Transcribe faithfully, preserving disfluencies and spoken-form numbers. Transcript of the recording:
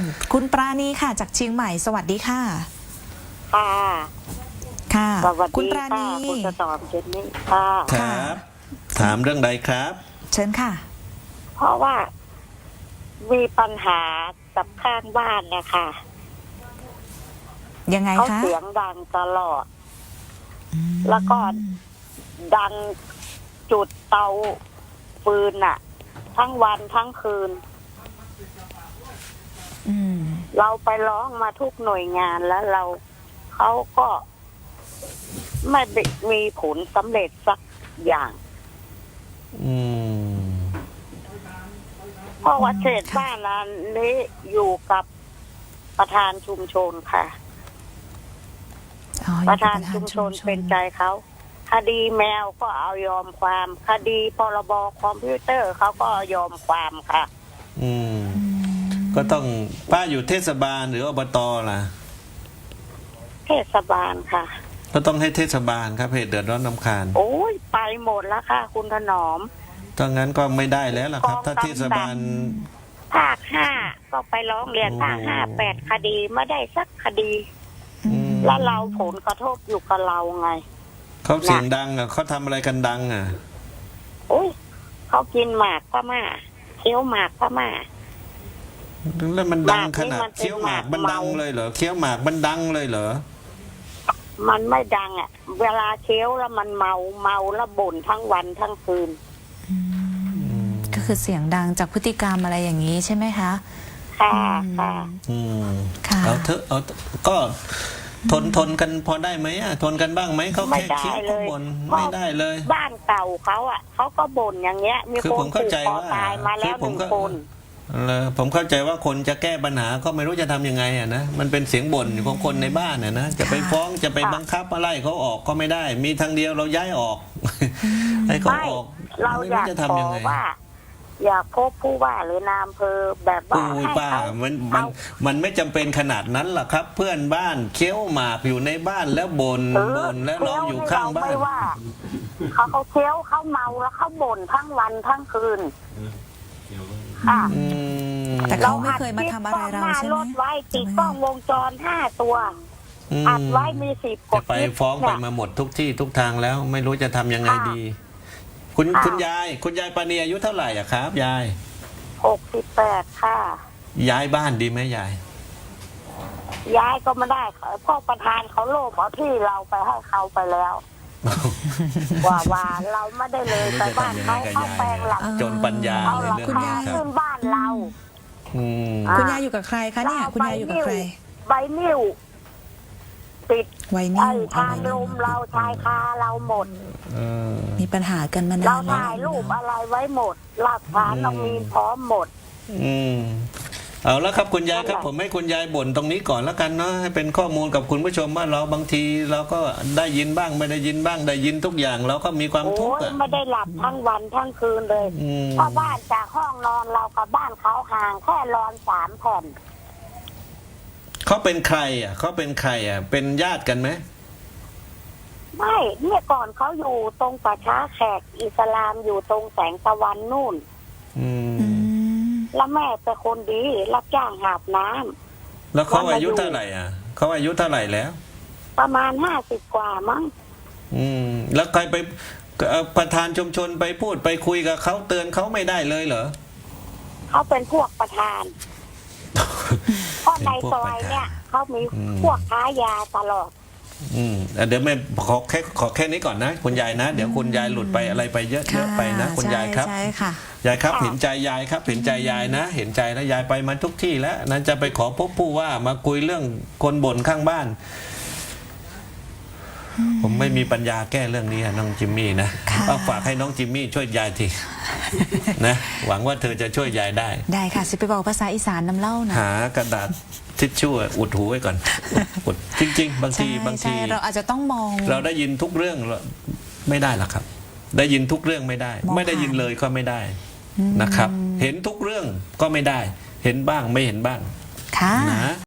คุณปราณีค่ะจากเชียงใหม่สวัสดีค่ะค่ะค่ะสวัสคุณดีปราค่ะณีคุณจะตอบเจนนี่ค่ะครับ ถามเรื่องใดครับเชิญค่ะเพราะว่ามีปัญหากับข้างบ้านนะคะยังไงเขาคะเสียงดังตลอด แล้วก็ดังจุดเตาฟืนน่ะ ทั้งวันทั้งคืนอืมเราไปร้องมาทุกหน่วยงานแล้วเราเขาก็ไม่ได้มีผลสำเร็จสักอย่างอืมเพราะว่าเขตบ้านนั้นนี้อยู่กับประธานชุมชนค่ะอ๋อประธานอยู่ชุกับมชนเป็นใจเขาคดีแมวก็เอายอมความคดีพรบคอมพิวเตอร์เขาก็ยอมความค่ะอืมอืมก็ต้องป้าอยู่เทศบาลหรืออบตล่ะเทศบาลค่ะก็ต้องให้เทศบาลครับเหตุเดือดร้อนรำคาญโอ้ยไปหมดแล้วค่ะ คุณถนอมถ้างั้นก็ไม่ได้แล้วล่ะครับ ถ้าเทศบาลภาคห้าก็ไปร้องเรียนโอ้ภาคห้าแปดคดีไม่ได้สักคดีอืมแล้วเราผลกระทบอยู่กับเราไงเขาเสียงดังอ่ะเขาทำอะไรกันดังอ่ะโอ้ยเขากินหมากพม่าเคี้ยวหมากพม่าแล้วมันดังขนาดหมากนี่มันเป็นเคี้ยวหมากมันดังหมากเมาเลยเหรอเคี้ยวหมากมันดังเลยเหรอมันไม่ดังอ่ะ เวลาเคี้ยวแล้วมันเมาเมาแล้วบ่นทั้งวันทั้งคืนอืมก็คือเสียงดังจากพฤติกรรมอะไรอย่างนี้ใช่ไหมคะค่ะอืมค่ะอืมค่ะเอาเถอะเอาเถอะก็ทนทนกันพอได้ไหมอ่ะทนกันบ้างไหมเขาไม่แค่ได้เคี้ยวเลก็ยบ่นไม่ได้เลยบ้านเก่าเขาอ่ะเขาก็บ่นอย่างเงี้ย มีคือคนผมเข้าผูกใจคอว่าตายมาแล้วคือหผมนึ่งก็คนเลยผมเข้าใจว่าคนจะแก้ปัญหาก็ไม่รู้จะทำยังไงอ่ะนะมันเป็นเสียงบ่นของคนในบ้านอ่ะนะจะไปฟ้องจะไปบังคับอะไรเขาออกก็ไม่ได้ มีทางเดียวเราย้ายออกให้เขาไม่ออกเราไม่อรู้ยากจะขทำอยังไงว่า อยากพบผู้ว่าหรือนายอำเภอแบบว่าโอ้ยให้ป้าเขามันมันเอามันไม่จำเป็นขนาดนั้นหรอกครับ เพื่อนบ้านเคี้ยวหมากอยู่ในบ้านแล้วบน่นเออบ่นแล้วเราอยู่ข้างบ้านเคี้ยวนี่เรไม่ว่าเขาเขาเคี้ยวเขาเมาแล้วเขาบ่นทั้งวันทั้งคืนค่ะอืมแต่เขาไม่เคยมาทำอะไรเราใช่ไหมรถไว้ติดกล้องวงจรห้าตัวอืมอัดไว้มีสิบกจะดไปคลิปฟ้องไปเนี่ยมาหมดทุกที่ทุกทางแล้ว ไม่รู้จะทำยังไงค่ะดี คุณค่ะคุณยาย คุณยายปานีอายุเท่าไหร่อะครับ ยายหกสิบแปดค่ะย้ายบ้านดีไหมยายย้ายก็ไม่ได้พ่อประธานเขาโลภเอาที่เราไปให้เขาไปแล้ว ว่าว่าเราไม่ได้เลยไปบ้านเขาเขาแปลงหลังจนปัญญาเอาในหลังเรื่องคุณนี้คายายครัขึ้บนบ้านเราอืมอ่าคุณยายอยู่กับใครคะเนี่ยคุณยายอยู่กับใครใบนิ้วติดไวนิไอ้ลทานลมเราชายคาเราหมดเออมีปัญหากันมาเรานานแล้วถ่ายรูปอะไรไว้หมด หลักฐานเรามีพร้อมหมดอืมเอาแล้วครับคุณยายครับนั่นแหละผมให้คุณยายบ่นตรงนี้ก่อนแล้วกันเนาะให้เป็นข้อมูลกับคุณผู้ชมว่าเราบางทีเราก็ได้ยินบ้างไม่ได้ยินบ้างได้ยินทุกอย่างเราก็มีความทุโอ้กข์ยอ่ะไม่ได้หลับทั้งวันทั้งคืนเลยอืมเพราะบ้านจากห้องนอนเรากับบ้านเขาห่างแค่รอนสามแผ่นเขาเป็นใครอ่ะเขาเป็นใครอ่ะ เป็นญาติกันไหมไม่เนี่ยก่อนเขาอยู่ตรงป่าช้าแขกอิสลามอยู่ตรงแสงตะวันนู่นอืมอืมแล้วแม่เป็นคนดีรับจ้างหาบน้ำแล้วเขาอายุเท่าไหร่อ่ะเขาอายุเท่าไหร่แล้วประมาณห้าสิบกว่ามั้งอืม แล้วใครไปเอ่อประธานชุมชนไปพูดไปคุยกับเขาเตือนเขาไม่ได้เลยเหรอเขาเป็นพวกประธาน เพราะในซอยเนี่ยเขามีอืมพวกค้ายาตลอดอืมเอ่อเดี๋ยวไม่ขอแค่ขอแค่นี้ก่อนนะ คุณยายนะ เดี๋ยวคุณยายหลุดไปอะไรไปเยอะเยค่ะอะไปนะ คุณยายครับใช่ใช่ค่ะยายครับค่ะเห็นใจยายครับ เห็นใจยายนะ เห็นใจแล้วยายไปมาทุกที่แล้วนั้นจะไปขอพบผู้ว่ามาคุยเรื่องคนบ่นข้างบ้าน ผมไม่มีปัญญาแก้เรื่องนี้อะน้องจิมมี่นะค่ะเอาฝากให้น้องจิมมี่ช่วยยายที นะหวังว่าเธอจะช่วยยายได้ได้ค่ะสิไปบอกภาษาอีสานน้ำเล่านะหากระดาษทิชชู่อุดหูไว้ก่อนอุดจริง ๆ บางใช่ทีบางใช่ทีเราอาจจะต้องมองเราได้ยินทุกเรื่องไม่ได้หรอกครับ ได้ยินทุกเรื่องไม่ได้มองไม่ได้ยินผ่านเลยก็ไม่ได้อืมนะครับ เห็นทุกเรื่องก็ไม่ได้ เห็นบ้างไม่เห็นบ้างค่ะนะ